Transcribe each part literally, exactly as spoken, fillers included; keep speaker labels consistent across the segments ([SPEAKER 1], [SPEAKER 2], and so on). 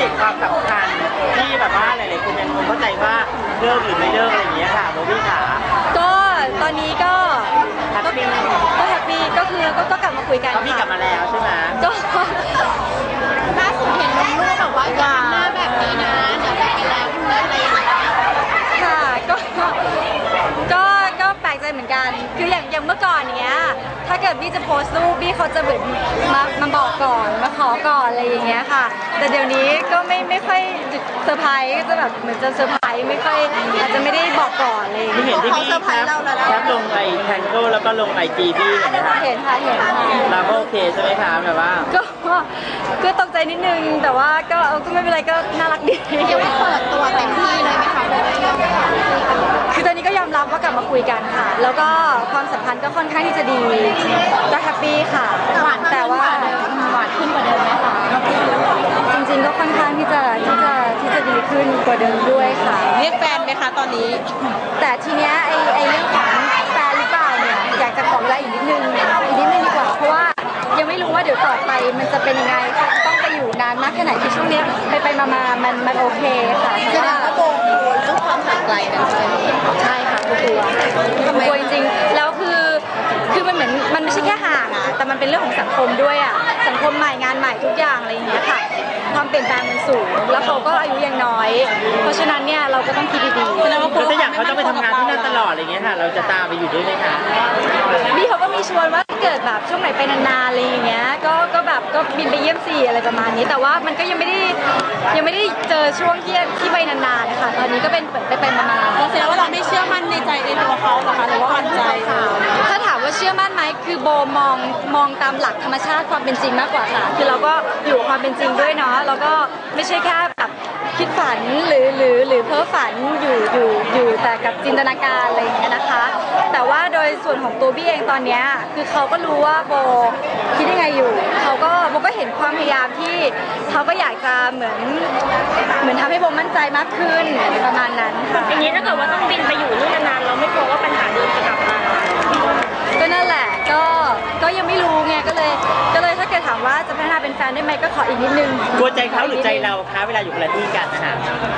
[SPEAKER 1] ตความสำคัญที่แบบว่าหลายๆคนยังคงเข้าใจว่าเลิกหรือไม่เลิกอะไรอย่างเงี้ยค่ะโบวี่ขา
[SPEAKER 2] ก็ตอนนี้ก็
[SPEAKER 1] แฮปปี้
[SPEAKER 2] ก็แฮปปี้ก็คือก็ก็กลับมาคุยกัน
[SPEAKER 1] พี่กลับมาแล้วใช่ไหม
[SPEAKER 2] ก็ล่าสุดเห็นลูกแบบว่าหน้าแบบนี้นะเดี๋ยวไปแล้วอะไรอย่างเงี้ยค่ะก็ก็ก็แปลกใจเหมือนกันคืออย่างอย่างเมื่อก่อนเนี้ยถ้าเกิดพี่จะโพสต์รูปพี่เขาจะเหมือนมามาบอกก่อนมาขอก่อนอะไรอย่างเงี้ยค่ะแต่เดี๋ยวนี้ก็ไม่ไม่ค่อยเซอร์ไพรส์ก็จะแบบเหมือนจะเซอร์ไพรส์ไม่ค่อยอาจจะไม่ได้บอกก่อนอะไรอย่าง
[SPEAKER 1] เงี้ยเห็นที่พี่แคปแคปลงในแทงโก้แล้วก็ลงไอจีพี่เห็นไหมคะ
[SPEAKER 2] เห็นค่ะเห็นค่ะ
[SPEAKER 1] เราก็โอเคใช่ไหมคะแบบว่า
[SPEAKER 2] ก็ก็ตกใจนิดนึงแต่ว่าก็ก็ไม่เป็นไรก็น่ารักดี
[SPEAKER 3] ยังไม่เปิดตัวเต็มที่เลยไหมคะ
[SPEAKER 2] คือตอนนี้ก็ยอมรับว่ากลับมาคุยกันค่ะแล้วก็ความสัมพันธ์ก็ค่อนข้างที่จะดีก็แฮปปี้ค่ะแต่ว่า
[SPEAKER 3] หวานขึ้นกว่าเดิมไหมคะ
[SPEAKER 2] จริงๆก็ค่อนข้างที่จะที่จะที่จะดีขึ้นกว่าเดิมด้วยค่ะ
[SPEAKER 3] เรียกแฟนไหมคะตอนนี้
[SPEAKER 2] แต่ทีเนี้ยไอไอเรื่องของแฟนหรือเปล่าเนี่ยอยากจะขอเวลาอีกนิดนึงอีกนิดนึงดีกว่าเพราะว่ายังไม่รู้ว่าเดี๋ยวต่อไปมันจะเป็นยังไงค่ะจะต้องไปอยู่นานมากแค่ไหนคือช่วงนี้ไปไปมามามันมันโอเคค่ะ
[SPEAKER 3] แสดงว่าโบกลัวเรื่องความห่างไกลกันใช่ไหม
[SPEAKER 2] ใช่ค่ะกลัวกลัวจริงๆแล้วคือคือมันเหมือนมันไม่ใช่แค่ห่างอ่ะแต่มันเป็นเรื่องของสังคมด้วยอ่ะสังคมใหม่งานใหม่ทุกอย่างอะไรอย่างเงี้ยค่ะความเปลี่ยนแปลงมันสูงแล้วเขาก็อายุยังน้อยเพราะฉะนั้นเนี่ยเราก็ต้องคิดดีๆ
[SPEAKER 1] แล้วถ้าอยากเขาจะไปทำงานที่นั่นตลอดอะไรเงี้ยค่ะเราจะตามไปอยู่ด้วยไหมคะ
[SPEAKER 2] พี่เขาก็มีชวนว่าเกิดแบบช่วงไหนไปนานๆอะไรอย่างเงี้ยก็ก็แบบก็บินไปเยี่ยมสี่อะไรประมาณนี้แต่ว่ามันก็ยังไม่ได้ยังไม่ได้เจอช่วงที่ที่ไปนานๆนะคะตอนนี้ก็เป็นไปไปมาๆ
[SPEAKER 3] เราแสดงว่าเราไม่เชื่อมั่นในใจในตัวเขาเหรอคะหรือว่ามั่นใจ
[SPEAKER 2] ถ้าถามว่าเชื่อมั่นไหมคือโบมองมองตามหลักธรรมชาติความเป็นจริงมากกว่าค่ะคือเราก็อยู่ความเป็นจริงด้วยเนาะแล้วก็ไม่ใช่แค่แบบคิดฝันหรือหรือหรือเพ้อฝันอยู่อยู่อยู่แต่กับจินตนาการอะไรอย่างเงี้ยนะคะแต่ว่าโดยส่วนของตัวบี้เองตอนเนี้ยคือเขาก็รู้ว่าโบคิดยังไงอยู่เขาก็โบก็เห็นความพยายามที่เขาก็อยากจะเหมือนเหมือนทำให้โบมั่นใจมากขึ้นประมาณนั้นค่ะ
[SPEAKER 4] อย่างนี้ถ้าเกิดว่าต้องบินไปอยู่นู่นนานๆเราไม่กลัวว่าปัญหาเดิมจะกลับมา
[SPEAKER 2] ก็นั่นแหละก็ก็ยังไม่รู้ไงก็เลยก็เลยถ้าเกิดถามว่าจะพัฒนาเป็นแฟนได้ไหมก็ขออีกนิดนึง
[SPEAKER 1] กลัวใจเขาหรือใจเราคะเวลาอยู่คนละที่กันนะคะ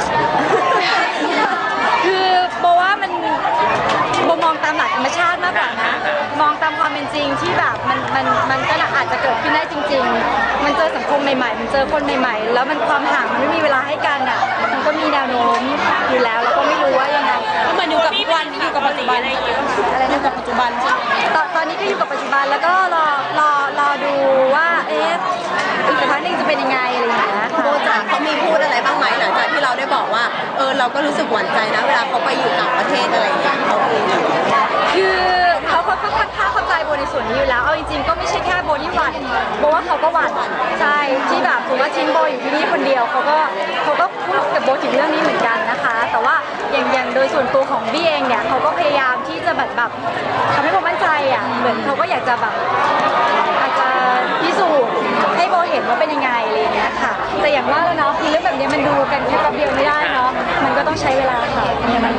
[SPEAKER 2] คือโบว่ามันโบมองตามหลักธรรมชาติมากกว่านะมองตามความเป็นจริงที่แบบมันมันมันก็อาจจะเกิดขึ้นได้จริงๆมันเจอสังคมใหม่ๆมันเจอคนใหม่ๆแล้วมันความห่างมันไม่มีเวลาให้กันอ่ะมันก็มีแนวโน้มอยู่แล้วแล้วก็ไม่รู้ว่ายังไง
[SPEAKER 3] เหมือนอยู่กับทุกวันอยู่กับปัจจุบันอะไรอย่างเงี้ย
[SPEAKER 2] อะไรนะ
[SPEAKER 3] กับปัจจุบันใช่ไหม
[SPEAKER 2] ตอนตอนนี้ก็อยู่กับปัจจุบันแล้วก็รอรอรอดูว่าเอ๊ะอีกสักพักหนึ่งจะเป็นยังไงอะไรอย่างเงี้ย
[SPEAKER 3] โบจ๋าเขามีพูดอะไรบ้างไหมหลังจากที่เราได้บอกว่าเออเราก็รู้สึกหวั่นใจนะเวลาเขาไปอยู่ต่างประเทศอะไรอย่างเงี้ยเขาคือ
[SPEAKER 2] คือเขาค่อนข้างเข้าใจโบในส่วนนี้อยู่แล้วเอาจริงๆก็ไม่ใช่แค่โบที่หวั่นโบว่าเขาก็หวั่นใช่ที่แบบถือว่าทิ้งโบอยู่ที่นี่คนเดียวเขาก็เขาก็พูดกับโบถึงเรื่องนี้เหมือนกันนะคะแต่ว่าอย่างอย่างโดยส่วนตัวของบี้เองเนี่ยเขาก็พยายามที่จะแบบแบบทำให้โบมั่นใจอ่ะเหมือนเขาก็อยากจะแบบอาจจะพิสูจน์ให้โบเห็นว่าเป็นยังไงอะไรอย่างเงี้ยค่ะแต่อย่างว่าแล้วเนาะคือเรื่องแบบนี้มันดูกันแค่แป๊บเดียวไม่ได้เนาะมันก็ต้องใช้เวลา